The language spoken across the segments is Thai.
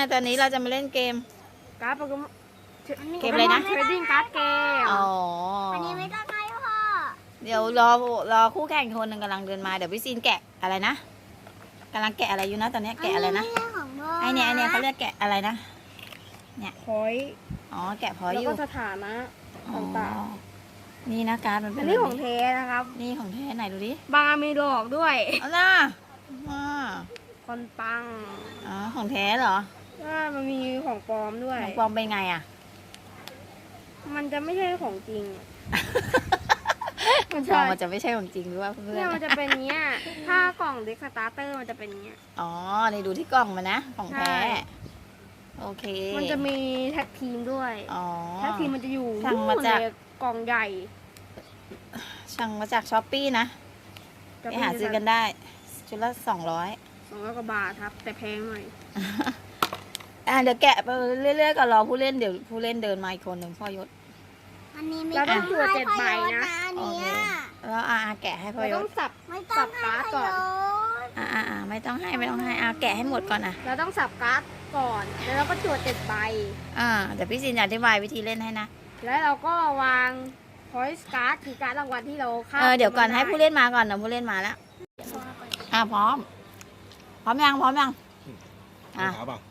ตอนนี้เราจะมาเล่นเกมการ์ดโปเกมอนเกมอะไรนะเทรดดิ้งการ์ดเกมอ๋ออันนี้ไม่ต้องให้พ่อเดี๋ยวรอคู่แข่งคนหนึ่งกำลังเดินมาเดี๋ยวพี่ซีนแกะอะไรนะกำลังแกะอะไรอยู่นะตอนนี้แกะอะไรนะไม่ใช่ของพ่อไอเนี่ยเขาเรียกแกะอะไรนะพอยต์อ๋อแกะพอแล้วอยู่ก็สถานะอ๋อต่างนี่นะการ์ดมันๆเป็อันนแบบนี้ของเทนะครับนี่ของแท้ไหนดูดิบางอันมีดอกด้วยเอาล่ะอ่าคอนปังอ๋อของแท้เหรอมันมีของปลอมด้วยของปลอมเป็นไงอ่ะมันจะไม่ใช่ของจริงของปลอมมันจะไม่ใช่ของจริงหรือว่าเพื่อเนี่ยนมันจะเป็นเนี้ย ถ้ากล่องเด็กสตาร์เตอร์มันจะเป็นเนี้ยอ๋อนี่ดูที่กล่องมันนะของแท้ใช่โอเคมันจะมีแท็กทีมด้วยอ๋อแท็กทีมมันจะอยู่สั่งมาจากในกล่องใหญ่สั่งมาจากช้อปปี้นะไปหาซื้อกันได้ชุดละ200 200 กว่าบาทครับ แต่แพงหน่อยเดี๋ยวแกะไปเรื่อยๆก่อนรอผู้เล่นเดี๋ยวผู้เล่นเดินมาอีกคนหนึ่งพ่อยศอันนี้ไม่เราต้ต้ออง งตรวจให้ 7 พ่ใบอยศนะอันเนี้ยแล้วแกะให้พ่อเรายต้อศงสับไม่ต้องสับให้การ์ดก่อนพ่อยศไม่ต้องให้แกะให้หมดก่อนนะเราต้องสับการ์ดก่อน แล้วเราก็ตรวจ7 ใบเดี๋ยวพี่ซินจะอธิบายวิธีเล่นให้นะแล้วเราก็วางพอยต์การ์ดคือการ์ดรางวัลที่เราคาดเดี๋ยวก่อนให้ผู้เล่นมาก่อนนะผู้เล่นมาแล้วพร้อมยังครับอ่ะ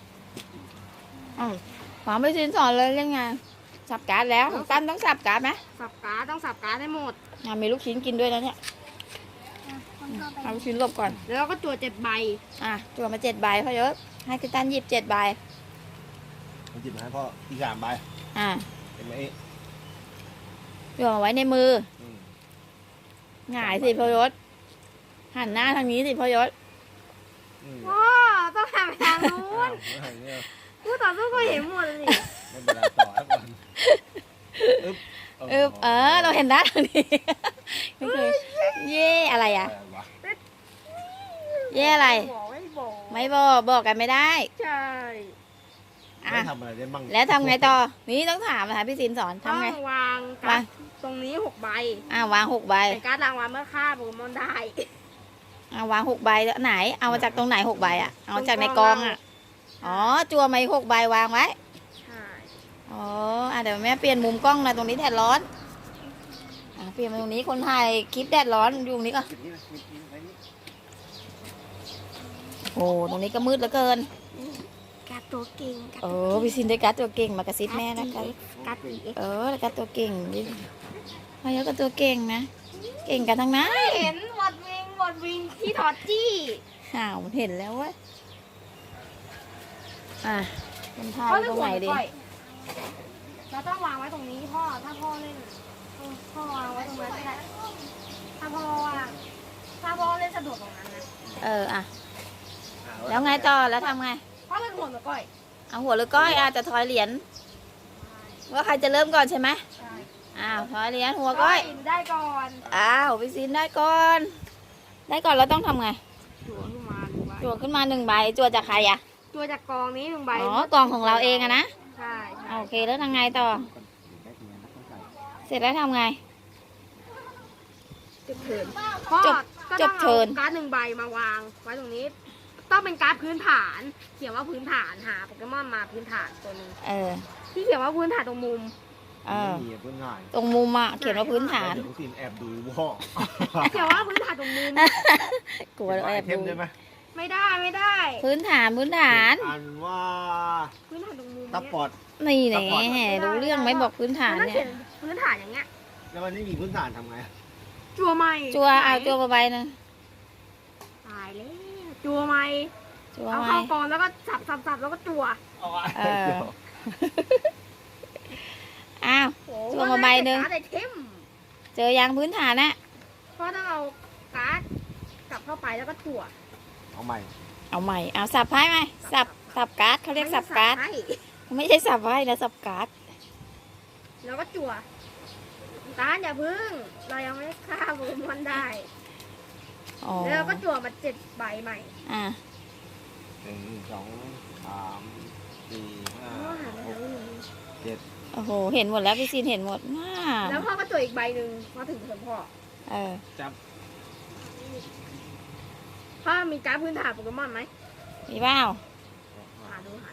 พร้อมพี่ซินสอนเลยเล่นไงสับการ์ดแล้วของตั้มต้องสับการ์ดไหมสับการ์ดต้องสับการ์ดให้หมดมีลูกชิ้นกินด้วยนะเนี่ยเอาลูกชิ้นหลบก่อนแล้วเราก็ตรวจ7 ใบจั่วมา7 ใบพ่อยศให้คือตั้นหยิบ7 ใบผมจิบมาให้พ่อที่3 ใบเป็นไหมจั่วมาไว้ในมืออืมหงายสิพ่อยศหันหน้าทางนี้สิพ่อยศอืมว้าต้องหันไปทางนู้อ้าวน ไม่ให้เนี่ยผู้ต่อสู้ก็เห็นหมดเลยนี่ไม่เป็นไรต่อให้ก่อนอึ๊บเราเห็นหน้าทางนี้ไม่เคยเย่อะไรอ่ะอะไรวะเย่อะไรบอกไม่บอกไม่บอกกันไม่ได้ใช่ไม่ทำอะไรได้บ้างแล้วทำไงต่อนี่ต้องถามนะคะพี่ซินสอนต้องทำไงวางการ์ดตรงนี้6 ใบวาง6 ใบเป็นการ์ดรางวัลเมื่อฆ่าโปเกมอนได้วาง6 ใบแล้วไหนเอามาจากตรงไหน6 ใบเอาจากในกองจั่วมาอีก6 ใบวางไว้ใช่เดี๋ยวแม่เปลี่ยนมุมกล้องนะตรงนี้แดดร้อนเปลี่ยนมาตรงนี้คนถ่ายคลิปแดดร้อนอยู่ตรงนี้ก็ตรงนี้ก็มืดเหลือเกินการ์ดตัวเก่งพี่ซินได้การ์ดตัวเก่งมากระซิบแม่นะการ์ด EX การ์ดตัวเก่งดิพ่อยศก็ตัวเก่งนะเก่งกันทั้งนั้นเห็นหมดวิงที่ถอดจี้มันเห็นแล้วเว้ยมันถ่ายพ่อตรงไหนดีเราต้องวางไว้ตรงนี้พ่อถ้าพ่อเล่นพ่อวางไว้ตรงนั้นก็ได้ถ้าพ่อเล่นสะดวกตรงนั้นนะแล้วไงต่อแล้วทำไงพ่อเล่นหัวมาก่อยเอาหัวหรือก้อยจะทอยเหรียญว่าใครจะเริ่มก่อนใช่ไหมใช่ทอยเหรียญหัวก้อยได้ก่อนพี่ซินได้ก่อน แล้วต้องทำไงจั่วขึ้นมา1 ใบจั่วขึ้นมา1 ใบจั่วจากใครอ่ะจั่วจากกองนี้1 ใบกล่องของเราเองอะนะใช่โอเคแล้วทำไงต่อ เสร็จแล้วทำไงจบเทิร์นพ่อ ก็จต้อบ งเทิเอาร์นการ์ด1 ใบมาวางไว้ตรงนี้ ต้องเป็นการ์ดพื้นฐาน เขียนว่าพื้นฐานหาโปเกมอนมาพื้นฐานตัวหนึงที่เขียนว่าพื้นฐานตรงมุมไม่มีเพื่อนง่ายตรงมุมเขียนว่าพื้นฐานเดี๋ยวทุกทีมแอบดูพ่อเขียนว่าพื้นฐานตรงมุมกลัวแอบเทมดูได้ไหมไม่ได้พื้นฐานอันว่าพื้นฐานตรงมุมตะเนี่ยปอดนี่แหละรู้เรื่องไหมบอกพื้นฐานมันต้องเนี่เขียยนพื้นฐานอย่างเงี้ยแล้วมันไม่มีพื้นฐานทำไงจั่วใหม่จั่วจั่วมาใบหนึงตายแล้วจั่วใหม่จั่วเอาไหมเข้ากองแล้วก็สับแล้วก็จั่ว โอ้จั่วมาใบหนึ่งการ์ดไอเทมเจอยังพื้นฐานนะก็ต้องเอาการ์ดกลับเข้าไปแล้วก็จั่วเอาใหม่เอาใหม่สับไพ่ไหมสับการ์ดเขาเรียกสับการ์ดให้ไม่ใช่สับไพ่นะสับการ์ดแล้วก็จั่วการ์ดอย่าพึ่ง เรายังไม่ฆ่าโปเกมอนได้ แล้วเราก็จั่วมา7 ใบใหม่ 1 2 3 4 5 6 โอ้โหเห็นหมดแล้วพี่ซีนเห็นหมด 7แล้วพ่อก็จั่วอีกใบหนึ่งพอถึงเทิร์นพ่อจับพ่อมีการ์ดพื้นฐานโปเกมอนไหมมีเปล่าหาดู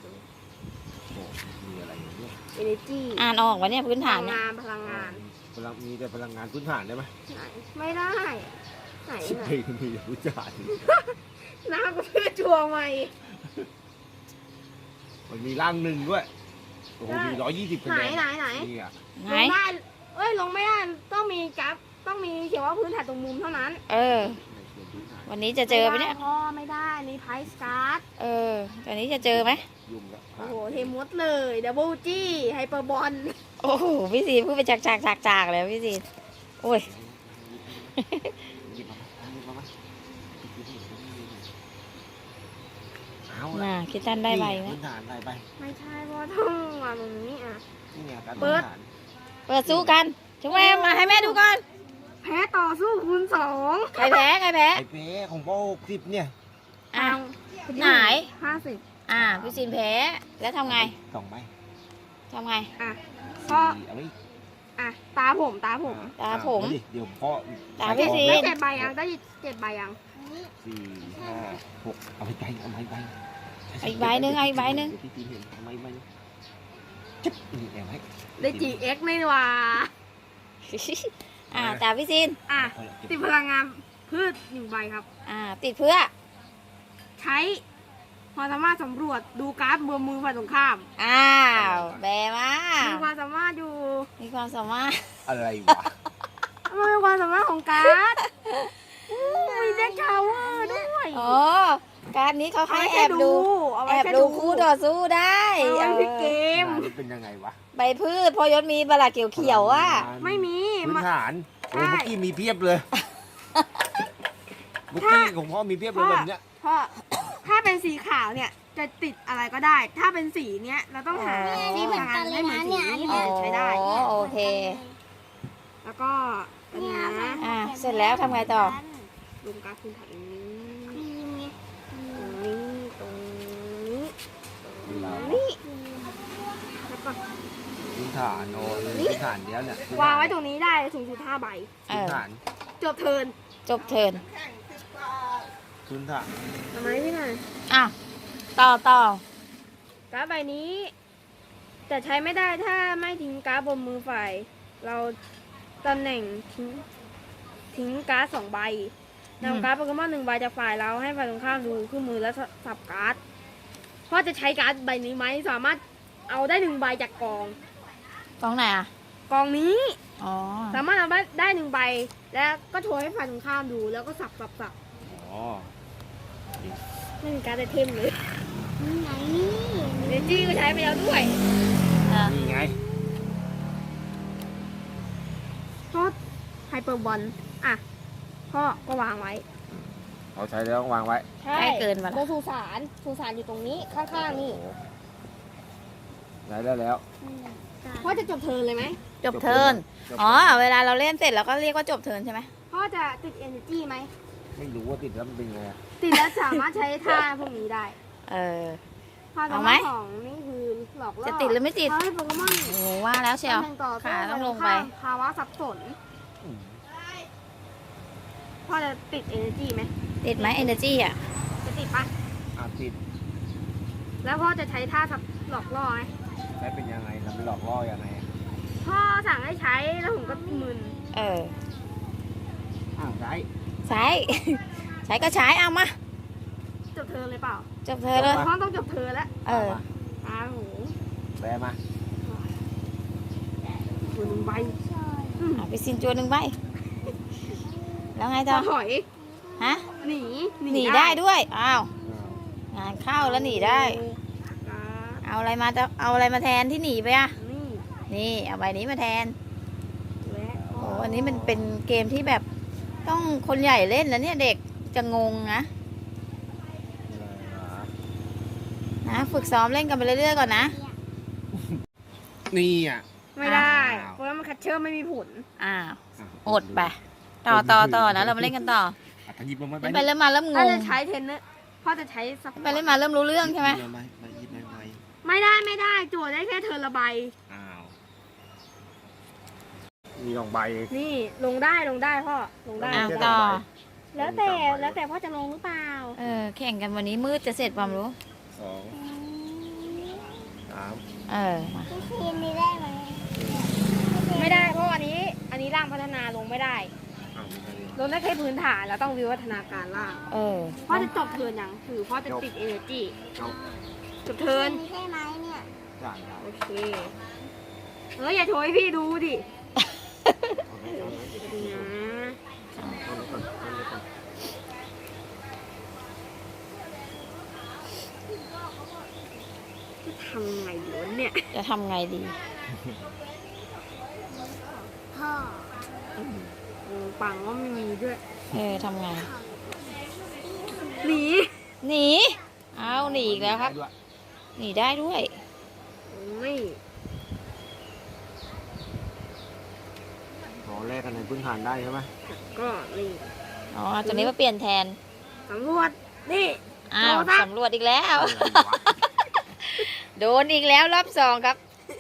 energy อ่านออกวะเนี่ยพื้นพฐานลังเนี่ยงานพลังงานมีแต่พลังงานพื้นฐานได้ไหมไหนไม่ได้ไหนสิบไหนเพลงมีแต่พื้นฐานน้ำก็เพื่อจัวใหม่มันมีร่างหนึ่งด้วยโอ้โหมี120คะไหนแนนไหนนี่อ่ะไหลนงได้เอ้ยลงไม่ได้ต้องมีกราฟต้องมีเขียนว่าพื้นฐานตรงมุมเท่านั้นเออ วันนี้จะเจอไหมเนี่ยพ่อไม่ได้นี่ไพสการ์ดเออวันนี้จะเจอไหมยุ่งแล้วโอ้โหเทมดเลยดับเบิลจี้ไฮเปอร์บอลโอ้โหพี่ซีนพูดไปจากเลยพี่ซีนโอ้ยหยิบมาหยิบมาเอาน่ะคิดตันได้ใบไหมพื้นฐานได้ใบไม่ใช่เพราะต้องวางตรงนี้อ่ะนี่ไงการเปิพื้นดฐานเปิดสู้กันช่วยมาให้แม่ดูก่อนแพ้ต่อสู้คูณสองใครแพ้ใครแพ้ไอ้เป๊ของพ่อ10เนี่ยอ่ะ ไหน 50 พี่ซีนแพ้แล้วทำไง 2 ใบทำไงอ่ะพ่อเอาไว้อ่ะตาผมตาผมเอาดิเดี๋ยวพ่อตาพี่ซีได้น 7 ใบยังได้7 ใบยัง 4 5 6เอาไปไกลเอาไปไกลอีกใบหนึ่งอีกใบหนึ่งเดี๋ยวพี่จีนเห็นทำไมใบหนึ่งจิ๊บนี่แอบให้ได้ GX ไม่ว่าตาพี่ซีนอ่ะติดพลังงานพืช1 ใบครับติดเพื่อใช้ความสามารถสำรวจดูกราฟบนมือฝ่ายตรงข้ามอ้าวแบมามีความสามารถอยู่มีความสามารถอะไรวะมันเป็นความสามารถของการ์ดมีเด็กชาวเวอร์ด้วยอ๋อการนี้เขาให้ไว้แอบดูเอาแอไว้บแค่ดูคู่ต่อสู้ได้เอาไว้พลิกเกมนี่เป็นยังไงวะใบพืชพอยศมีประหลาดเขียวๆอ่ะไม่มีพื้มานฐานโอ้ใช่เมื่อกี้มีเพียบเลยเมื่อกี้ของพ่อมีเพียบเลยแบบเนี้ยเพราะถ้าเป็นสีขาวเนี่ยจะติดอะไรก็ได้ ถ้าเป็นสีเนี้ยเราต้องหาอ๋อที่พลังงานให้เหมือนสีนี้อ๋อถึงจะใช้ได้โอเคแล้วก็อันนี้นะเสร็จแล้วทำไงต่อรวมการดพื้นฐานนี้มีตรงนี้ตรงเรานี้แล้วก็พื้นฐานโอ้ยพื้นฐานเดียวเนี่ยวางไว้ตรงนี้ได้สูงสุด5 ใบพื้นฐานจบเทิร์นจบเทิร์นพื้นฐานทำไมพี่หน่อยอ้าวต่อการ์ดใบนี้จะใช้ไม่ได้ถ้าไม่ทิ้งการ์ดบนมือฝ่ายเราตำแหน่งทิ้งการ์ด2 ใบนำการ์ดโปเกมอน1 ใบจากฝ่ายเราให้ฝ่ายตรงข้ามดูขึ้นมือแล้วสับการ์ดเพราะจะใช้การ์ดใบนี้ไหมสามารถเอาได้1 ใบจากกองตรงไหนอ่ะกองนี้อ๋อสามารถเอาได้1 ใบแล้วก็โชว์ให้ฝ่ายตรงข้ามดูแล้วก็สับอ๋อไม่มีการ์ดไอเทมเลยนี่ไงนี่เนจี้ก็ใช้ไปแล้วด้วยนี่ไงก็ไฮเปอร์บอลอ่ะพ่อก็วางไว้เอาใช้แล้ววางไว้ใช่ใกล้เกินไปโบละสุสานอยู่ตรงนี้ข้างๆนี่โอ้โหได้แล้วพ่อจะจบเทิร์นเลยไหมจบเทิร์นอ๋อเวลาเราเล่นเสร็จเราก็เรียกว่าจบเทิร์นใช่ไหมพ่อจะติด energy ไหมไม่รู้ว่าติดแล้วมันเป็นไงอะติดแล้วสามารถใช้ท่าพวกนี้ได้เออความเอาสาไหมมารถของนี่คือหลอกล่อจะติดหรือไม่ติดเฮ้ยโปเกมอนโอ้ว่าแล้วเชียวตำแหน่งต่อสู้ขาต้องลงไปภาวะสับสนอืมพ่อจะติด energy ไหมติดไหม energy อ่ะจะติดปะติดแล้วพ่อจะใช้ท่าสับหลอกล่อไหมใช้เป็นยังไงทำเป็นหลอกล่อยังไงพ่อสั่งให้ใช้แล้วผมก็มึนเออใช้ใช้ ใช้ก็ใช้เอามาจบเทิร์นเลยเปล่าจบเทิร์นเลยพ่อต้องจบเทิร์นแล้วเอออ้าวโหแปลมามือ1 ใบไปซินจวน1 ใบแล้วไงพต่ออถอยฮะหนีหนีได้ด้วยอ้าวงานเข้าแล้วหนีได้การ์ดเอาอะไรมาแทนที่หนีไปอ่ะนี่นี่เอาใบนี้มาแทนและโอ้อันนี้มันเป็นเกมที่แบบต้องคนใหญ่เล่นแล้วเนี่ยเด็กจะงงนะฝึกซ้อมเล่นกันไปเรื่อยๆก่อนนะนี่อ่ะไม่ได้อ้าวเพราะว่ามันคัดเชื่อไม่มีผลอ้าวอดไปต่อนะเรามาเล่นกันต่อถ้าหยิบลงมาเล่นไปเริ่มมาเริ่มงถ้าง จะใช้เทรนเนอร์พ่อจะใช้ซัพพอไปร์ตเล่นมาเริ่มรู้เรื่องใช่ไหมหยิบมาหยิบมาไม่ได้จั่วได้แค่เทิร์นละใบอ้าวมี2 ใบนี่ลงได้พ่อลงได้อ้าวแค่ต่อ 2 ใบแล้วแต่พ่อจะลงหรือเปล่าแข่งกันวันนี้มืดจะเสร็จความรู้ 2 3 มาพี่ทีนี้ได้ไหมไม่ได้เพราะอันนี้ร่างพัฒนาลงไม่ได้อ้าวไม่ใช่นี่ลงได้แค่พื้นฐานแล้วต้องวิวัฒนาการล่าง พ่อจะจบเทิร์นยังคือพ่อจะติด energy เอาจบเทิร์นนี่ได้ไหมเนี่ยได้โอเคอย่าโชว์ให้พี่ดูดิเอาไปเอาไปเดี๋ยวนะเอาไปก่อนเอาไปก่อนจะทำไงดีวะเนี่ยจะทำไงดีพ่อปังว่าไม่มีด้วยทำไงหนีหนี เอาหนีอีกแล้วครับได้ด้วยหนีได้ด้วยไม่อ๋อแลกกันในพื้นฐานได้ใช่ไหมก็นี่อ๋อตัวนี้มาเปลี่ยนแทนสำรวจนี่อ้าวโดนปะสำรวจอีกแล้วอะไรวะโดนอีกแล้วรอบสองครับ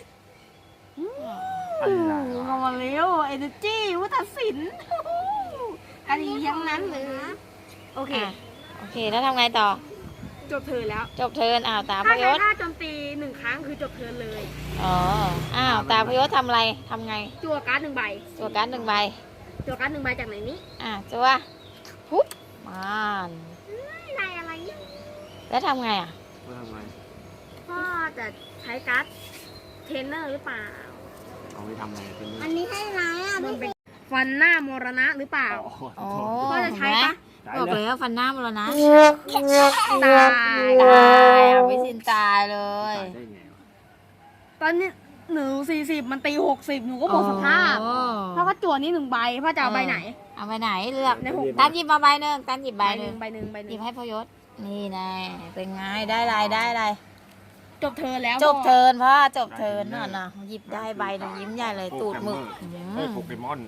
อะไรวะมาเร็ว energy วัฒนศิลป์อันนี้ทั้งนั้นเลยโอเคโอเค แล้วทำไงต่อจบเทิร์นแล้วจบเทิร์นตาพถ้าย ใช้ศท่าโจมตี1 ครั้งคือจบเทิร์นเลยอ๋อ ตาพยศทำอะไรทำไงจั่วการ์ด1 ใบตัวการ์ด1 ใบจั่วการ์ด1 ใบจากไหนนี้จัวปุ๊บมานอะไรอะไรเนี่ยแล้วทำไงอ่ะว่าทำไงพ่อจะใช้การ์ดเทรนเนอร์หรือเปล่าเอาไปทำอะไรเป็นอันนี้ให้ไหมอ่ะมันพี่เป็นฟันหน้ามรณะหรือเปล่าอ๋อพ่อจะใช้ปะได้บอกเลยแล้วฟันหน้ามาแล้วนะตายตายไม่สินตายเลยได้ไงวะตอนนี้หนู40มันตี60หนูก็หมดสภาพโอ้พ่อก็จั่วนี้1 ใบพ่อจะเอาใบไหนเอาไปไหนเลือกในหกตันหยิบมาใบหนึ่งตันหยิบใบใบหหนึ่นึ่งงใบหนึ่งใบหหยินึ่บงให้พยศนี่แน่เป็นไงได้ไรได้ไรจบเทิร์นแล้วจบเทิร์นพ่อจบเทิร์นน่ะหยิบได้ใบหนึ่งยิ้มใหญ่เลยตูดหมึกเฮ้ยโปเกมอน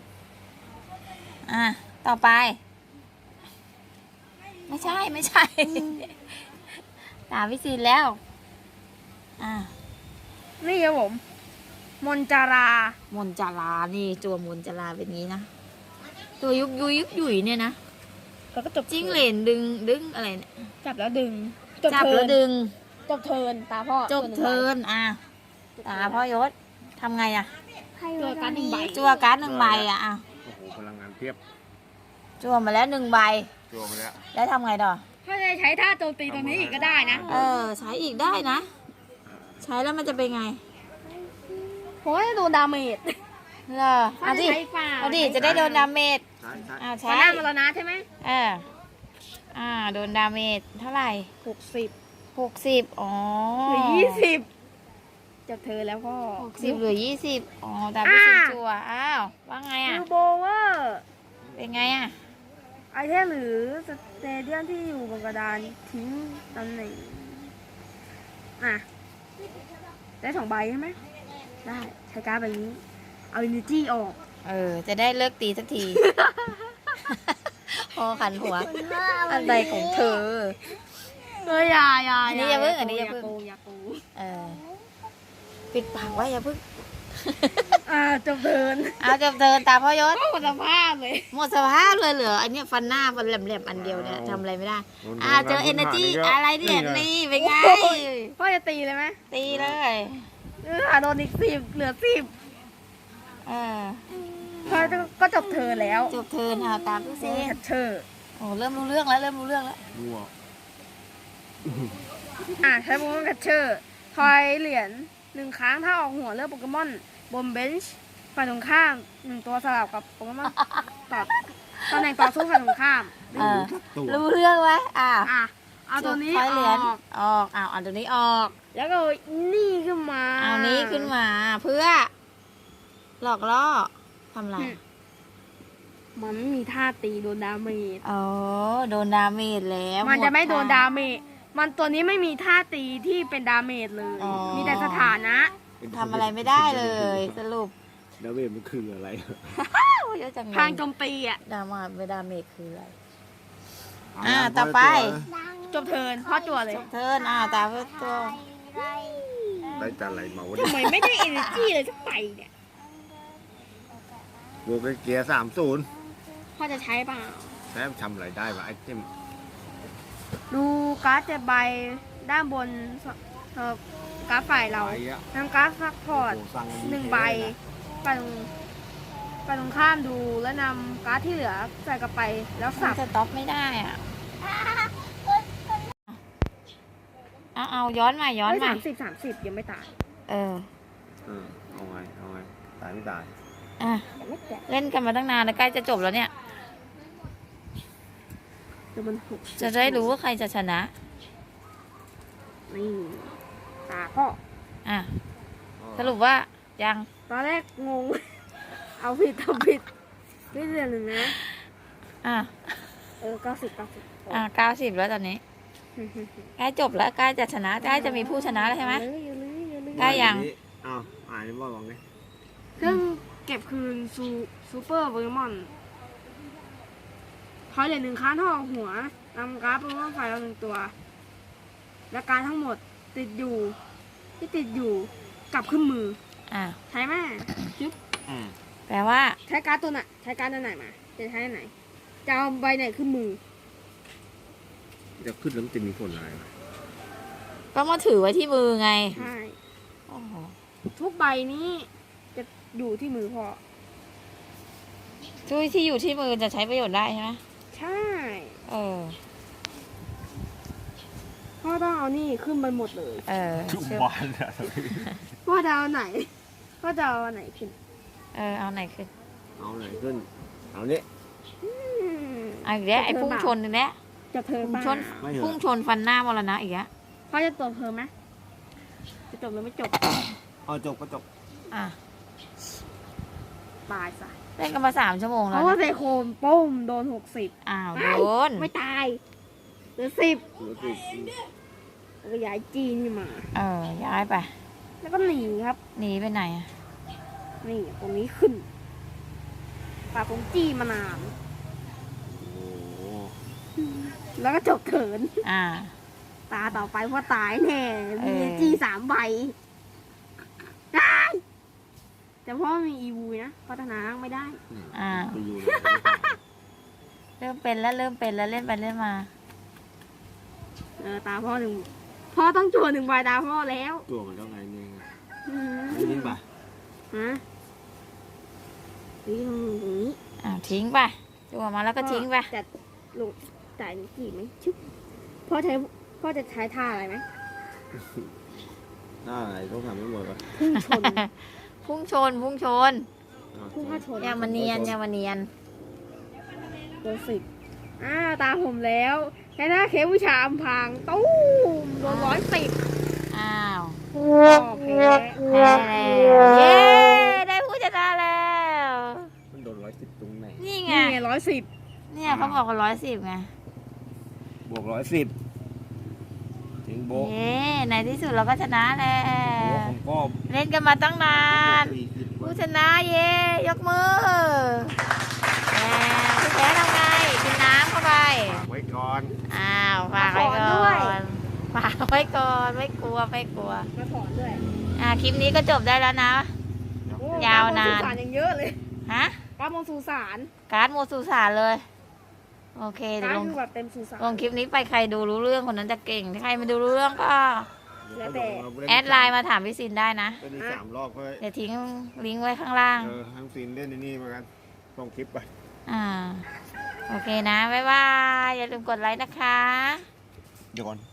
ต่อไป ไม่ใช่ไม่ใช่ ตาพิซีนแล้วอ่ะนี่ครับผมมนจารามนจารานี่จัวมนจาราเป็นงี้นะตัวยุกยุยยุกยุยเนี่ยนะแล้วก็จบจิ้งเหลนดึงอะไรเนี่ยจับแล้วดึงจับเทิแล้วร์นดึงจบเทิร์นตาพ่อจบเทิร์นตาพ่อยศทำไงอ่ะให้จั่วการ์ด1 ใบจัวการ์ด1 ใบอ่ะโอ้โหพลังงานเพียบจัวมาแล้ว1 ใบตัวมาแล้วแล้วทำไงต่อถ้าจะใช้ท่าโจมตีตรงนี้อีกก็ได้นะใช้อีกได้นะ ใช้แล้วมันจะเป็นไงผมว่าจะโดนดาเมจเหรอเอาดิใช้เปล่าเอาดิจะได้โดนดาเมจใช่ใช่ใช้ใช้หน้ามรณะใช่ไหมโดนดาเมจเท่าไหร่ 60 60อ๋อหรือ20จบเทิร์นแล้วพ่อ 60เหลือ20ตาพี่สินจัวว่าไงคิอ่ะวโบเวอร์เป็นไงอ่ะไอเทมหรือสเตเดียมที่อยู่บนกระดานทิ้งตำแหน่งได้2 ใบใช่ไหมได้ใช้การ์ดใบนี้ เอาอินดิจี้ออกจะได้เลิกตีสักที พอขันหัว อะไรของเธออย่าอันนี้อย่าเพิ่งอันนี้อย่าเพิ่งอย่าโกงปิดปากไว้อย่าเพิ่งจบเทิร์นจบเทิร์นตาพ่อยศหมดสภาพเลยหมดสภาพเลยเหรออันเนี้ยฟันหน้าฟันแหลมๆอันเดียวเนี่ยทำอะไรไม่ได้ เจอ energy อะไรเนี่ยนี่เป็นไงพ่อจะตีเลยไหมตีเลยโดนอีก10เหลือ10 เออพ่อก็จบเทิร์นแล้วจบเทิร์นตามพี่เซแคทเชอร์เริ่มรู้เรื่องแล้วเริ่มรู้เรื่องแล้วมั่วใช้โปเกมอนแคทเชอร์ทอยเหรียญ1 ครั้งถ้าออกหัวเลือกโปเกมอนบนเบนช์ฝ่ายตรงข้าม1 ตัวสลับกับโปเกมอนต่อตำแหน่งต่อสู้ฝ่ายตรงข้ามตัวรู้เรื่องไหมเอาตัวนี้ทอยเหรียญออกเอาตัวนี้ออกแล้วก็นี่ขึ้นมาเอานี้ขึ้นมาเพื่อ หลอกล่อทำไรมันไม่มีท่าตีโดนดาเมจโดนดาเมจแล้วมันจะไม่โดนหดดาเมจมันตัวนี้ไม่มีท่าตีที่เป็นดาเมจเลย มีแต่สถานะทำอะไรไม่ได้เลย สรุปดาเวทมันคืออะไรเยอะจังเลยทางโจมตีดาเมจคืออะไรเาต่อไปจบเทิร์นพ่อจั่วเลยจบเทิร์นตาเพื่อตัวได้แต่อะไรมาวะทำไมไม่ได้ energy เลยสักใบเนี่ยบวกกับเกียร์30 พ่อจะใช้เปล่าแซมทำอะไรได้วะไอเทมดูการ์ด7 ใบด้านบนการ์ดฝ่ายเราไปอ่ะนำการ์ดซัพพอร์ตโอ้โหสั่งดีหนึ่งใบไปตรงข้ามดูแล้วนำการ์ดที่เหลือใส่กลับไปแล้วมัสันบสต็อปไม่ได้อ่ะเอาย้อนใหม่ย้อนใหม่ 30ยังไม่ตายเออเอาไงตายไม่ตายอ่ะยังไม่แตกเล่นกันมาตั้งนานแล้วใกล้จะจบแล้วเนี่ยเดี๋ยวมันหกจะได้รู้ว่าใครจะชนะนี่ตาพ่ออ่ะสรุปว่ายังตอนแรกงง เอาผิดทำผิดนี่เดือนหนึ่งนะอ่ะ 90 90แล้วตอนนี้ใกล้จบแล้วใกล้จะชนะใกล้จะมีผู้ชนะแล้วใช่ไหม ได้ ยังอ้าวอ่านว่าบอกไงเครื่องเก็บคืนซูเปอร์โปเกมอนพอเหลือ1 ค้านเท่ากับหัวนำการ์ดโปเกมอนไฟเรา1 ตัว และการดทั้งหมดติดอยู่กลับขึ้นมืออ่ะใช้ไหมจุ๊บแปลว่าใช้การ์ดตัวไหนใช้การ์ดตัวไหนมาจะใช้อันไหนจะเอาใบไหนขึ้นมือจะขึ้นแล้วมันจะมีผลอะไรวะก็มาถือไว้ที่มือไงใช่โอ้โหทุกใบนี้จะอยู่ที่มือพ่อช่วยที่อยู่ที่มือจะใช้ประโยชน์ได้ใช่ไหมใช่เออพ่อต้องเอานี่ขึ้นไปหมดเลยเออทุกเชื่อบ้านอะพ่อจะเอาไหนพ่อจะเอาอันไหนขึ้นเอาไหนขึ้นเอาไหนขึ้น เอานี้เอาอีกแล้วไอ้พุ่งชนอีกแล้วจะเธอพุ่งบ้าชนไม่เหรอพุ่งชนฟันหน้ามรณะอีกแล้วพ่อจะตัวเธอไหมจะจบหรือไม่จบเอาจบก็จบอ่ะตายซะเล่นกันมา3 ชั่วโมงเพแล้วราะว่านะไซโคนปุ้มโดน60 อ้าวโดนไม่ตายเหลือ10 เหลือสิบแล้วก็ย้ายจีนนี่มาย้ายไปแล้วก็หนีครับหนีไปไหนอะนี่ตรงนี้ขึ้นปากผมจี้มานานโอ้โหแล้วก็จบเถินอ่าตาต่อไปพ่อตายแน่เอมีอจี้3 ใบได้แต่พ่อมีอีวูนะพัฒนาไม่ได้อ่าไปอยู่ไหนเริ่มเป็นแล้วเล่นไปเล่นมาตาพ่อพ่อต้องจั่ว1 ใบตาพ่อแล้วตัวมันต้องไงเนี่ยอืมไม่นิ่งป่ะฮะนี่ตรงนี้ทิ้งไปดูออกมาแล้วก็ทิ้งไปจะลงจ่ายหนึ่งกี่ไหมชึบพ่อจะใช้ท่าอะไรไหมหน้าไหนต้องทำให้หมดป่ะพุ่งชนพุ่งชนพุ่งเข้าชนอย่ามาเนียนโดน10ตาผมแล้วแค่หน้าเคสวิชาอำพรางตู้มโดน110 อ้าวพ่อแพ้แพ้แล้วเย้ได้ผู้ชนะแล้วมันโดน110ตรงไหนนี่ไงนี่ไง110 เนี่ยเขาบอกว่า110ไงบวก110ทิ้งโบะเย้ในที่สุดเราก็ชนะแล้โบะวผมก็เล่นกันมาตั้งนาน 40 ผู้ชนะเย้ยกมือผู้แพ้ทำไงกินน้ำเข้าไปไว้ก่อนอ้าวฝากไว้ก่อนฝากไว้ก่อนไม่กลัวมาถอนด้วยคลิปนี้ก็จบได้แล้วนะโอ้ยาวนานกรมสุสานยังเยอะเลยฮะการมงสุสานการ์ดโมสุสานเลย โอเคเดี๋ยกาว รลงคือแบบเต็มสุสานลงคลิปนี้ไปใครดูรู้เรื่องคนนั้นจะเก่งถ้าใครไม่ดูรู้เรื่องก็แล้วแต่แอดไลน์มาถามพี่ซินได้นะเป็นอีก3 รอบก็เดี๋ยวทิ้งลิงก์ไว้ข้างล่างทั้งซีนเล่นในนี่เหมือนกันส่งคลิปไปโอเคนะ บ๊ายบาย อย่าลืมกดไลค์นะคะเดี๋ยวก่อน